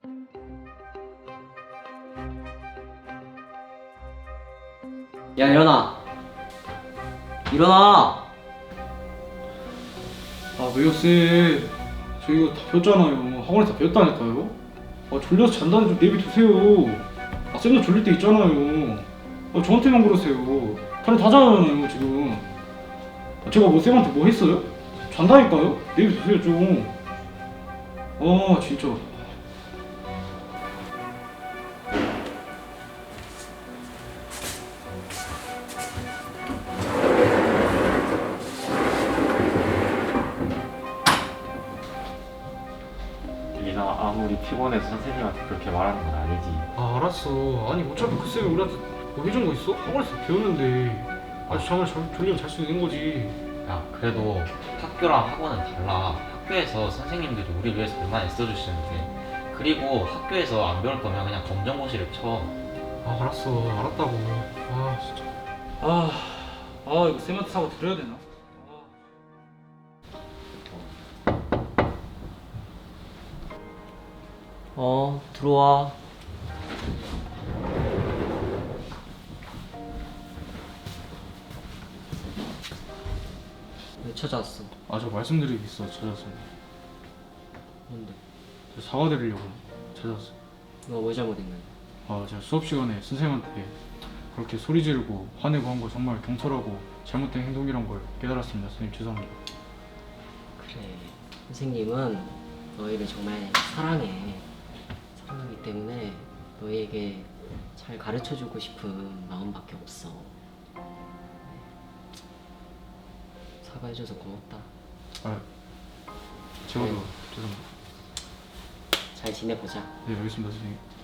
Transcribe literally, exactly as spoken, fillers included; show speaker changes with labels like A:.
A: 야, 일어나. 일어나.
B: 아 왜요 쌤? 저 이거 다 배웠잖아요. 학원에서 다 배웠다니까요. 아 졸려서 잔다는 좀 내비두세요. 아 쌤도 졸릴 때 있잖아요. 아 저한테만 그러세요. 다른 다 자잖아요 지금. 아, 제가 뭐 쌤한테 뭐 했어요? 잔다니까요? 내비두세요 좀. 아 진짜.
C: 리나 아무리 피곤해서 선생님한테 그렇게 말하는 건 아니지.
B: 아 알았어. 아니 어차피 그 쌤이 우리한테 뭐 해준 거 있어? 학원에서 배웠는데 아주 잠을 잘 졸리면 잘 수 있는 거지.
D: 야, 그래도 학교랑 학원은 달라. 학교에서 선생님들이 우리 위해서 얼마나 애써주시는데. 그리고 학교에서 안 배울 거면 그냥 검정고시를 쳐.
B: 아 알았어. 알았다고. 아 진짜. 아, 아 이거 쌤한테 사과 드려야 되나?
A: 어, 들어와. 왜 찾아왔어?
B: 아 저 말씀드릴 게 있어 찾아왔습니다.
A: 뭔데?
B: 저 사과드리려고 찾아왔어요.
A: 너가 뭐 잘못했는데?
B: 아 제가 수업 시간에 선생님한테 그렇게 소리 지르고 화내고 한 거 정말 경솔하고 잘못된 행동이란 걸 깨달았습니다. 선생님 죄송합니다.
A: 그래, 선생님은 너희를 정말 사랑해. 사랑하기 때문에 너희에게 잘 가르쳐주고 싶은 마음밖에 없어. 사과해줘서 고맙다.
B: 아 제가도
A: 네.
B: 죄송합니다.
A: 잘 지내보자.
B: 네 알겠습니다 선생님.